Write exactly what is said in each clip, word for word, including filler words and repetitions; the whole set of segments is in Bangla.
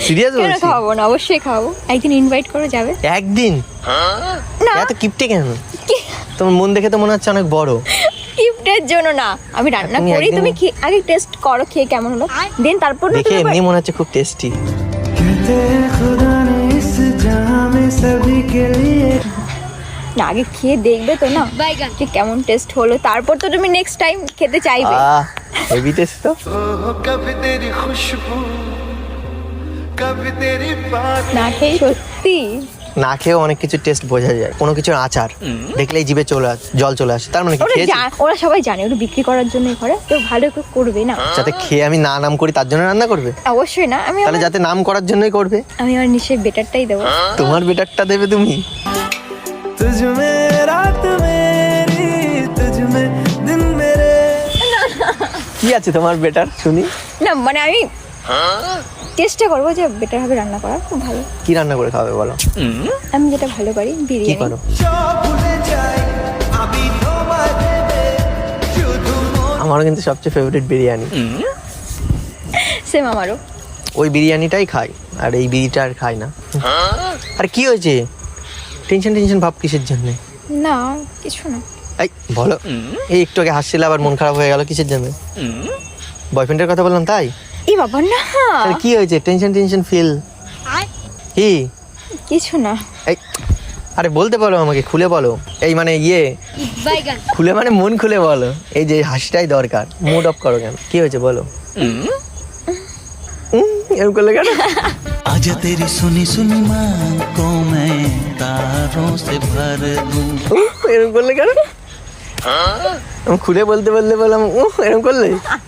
সিরিয়াস বলছিস? কেন খাওয়াবো না, অবশ্যই খাওয়াবো। একদিন ইনভাইট করে যাবে। একদিন? না এত কিপটে কেন? তোমার মন দেখে তো মনে হচ্ছে অনেক বড়। গিফটের জন্য না, আমি রান্না তুমি করি, একদিন- তুমি খে- আগে টেস্ট করো খেয়ে কেমন হলো, দেন তারপর না দেখে তুমি এমনি আবার- মনে হচ্ছে খুব টেস্টি। না আগে খেয়ে দেখবে তো না যে কেমন টেস্ট হলো, তারপর তো তুমি নেক্সট টাইম খেতে চাইবে। আহ হেভি টেস্ট তো। कभी तेरी खुशबू कभी तेरी बात না খেয়ে সত্যি না খেয়েও অনেক কিছু টেস্ট বোঝা যায়, কোনো কিছুর আচার দেখলেই জিভে চলে আসে, জল চলে আসে। তার মানে কি ওরা খেয়েছি? জা- ওরা সবাই জানে ওরা বিক্রি করার জন্যই করে, তো ভালো করে করবে না। যাতে খেয়ে আমি না নাম করি তার জন্য রান্না করবে? অবশ্যই না, আমি তাহলে আমার- যাতে নাম করার জন্যই করবে। আমি আমার নিশ্চয়ই বেটারটাই দেবো। তোমার বেটারটা দেবে তুমি? तुझ में रात मेरी तुझ में दिन मेरे কি আছে তোমার বেটার শুনি? না মানে আমি চেষ্টা করবো যে বেটার হবে রান্না করার, খুব ভালো। কি রান্না করে খাবে বলো? আমি যেটা ভালো পারি কি বিরিয়ানি। করো? जो भूले जाए अभी তোমারে শুধু আমারও কিন্তু সবচেয়ে ফেভারিট বিরিয়ানি। সেম আমারও। ওই বিরিয়ানিটাই খাই, আর এই বিরিটা আর খাই না। আর কি হয়েছে? টেনশন টেনশন ভাব কিসের জন্য? না কিছু না। এই বলো, এই একটু আগে হাসছিলে আবার মন খারাপ হয়ে গেল কিসের জন্য? বয়ফ্রেন্ডের কথা বললাম তাই? এই বাবা না, তাহলে কি হয়েছে? টেনশন টেনশন ফিল কি? কিছু না। এই আরে বলতে বলো আমাকে, খুলে বলো। এই মানে ইয়ে খুলে মানে মন খুলে বলো। এই যে হাসিটাই দরকার, মুড অফ করো কেন? কি হয়েছে বলো? উম, এরকম করলে কেন? आजा तेरी सुनी सुनी मांग को मैं तारों से भर दूं। উম, এরকম করলে কেন? আমি খুলে বলতে বলতে বললাম উহ, এরকম করলে?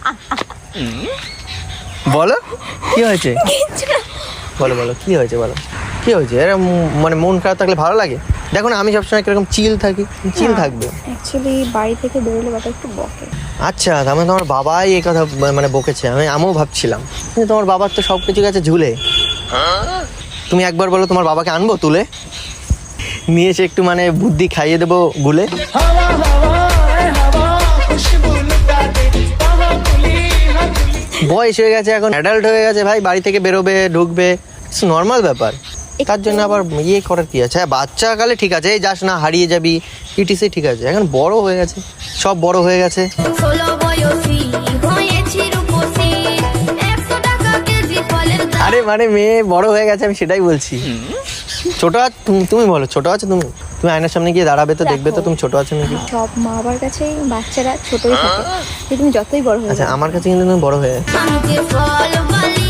বলো কি হয়েছে? বলো বলো কি হয়েছে বলো, কি হয়েছে? এরকম মানে মন খারাপ থাকলে ভালো লাগে? দেখো না আমি সবসময় কিরকম চিল থাকি, চিল থাকবে। অ্যাকচুয়ালি বাড়ি থেকে বেরোলে বাবা একটু বকে। আচ্ছা তার মানে তোমার বাবাই এই কথা মানে বকেছে? আমি আমিও ভাবছিলাম কিন্তু তোমার বাবার তো সব কিছু গেছে ঝুলে। তুমি একবার বলো তোমার বাবাকে আনবো তুলে নিয়ে এসে একটু মানে বুদ্ধি খাইয়ে দেবো গুলে। हवा हवा हवा खुशबू लुटा दे कहां खुली है বয়স হয়ে গেছে, এখন অ্যাডাল্ট হয়ে গেছে ভাই, বাড়ি থেকে বেরোবে ঢুকবে, নর্মাল ব্যাপার। তার জন্য আবার ইয়ে করার কি আছে? হ্যাঁ বাচ্চা কালে ঠিক আছে, এই যাস না হারিয়ে যাবি ইটিসি ঠিক আছে, এখন বড় হয়ে গেছে, সব বড় হয়ে গেছে। ষোলো বয়সী হয়েছি রূপসী, একশো টাকা কেজি ফলের দাম। আরে মানে মেয়ে বড় হয়ে গেছে, আমি সেটাই বলছি। ছোট আছ- তুমি- তুমি বলো ছোট আছো তুমি? তুমি আয়নার সামনে গিয়ে দাঁড়াবে তো দেখবে তো তুমি ছোট আছো নাকি। সব মা বাবার কাছে বাচ্চারা ছোটই থাকে, যে তুমি যতই বড় হয়ে আচ্ছা যাও। আমার কাছে কিন্তু তুমি বড় হয়ে গেছো। আমি যে ফল বলি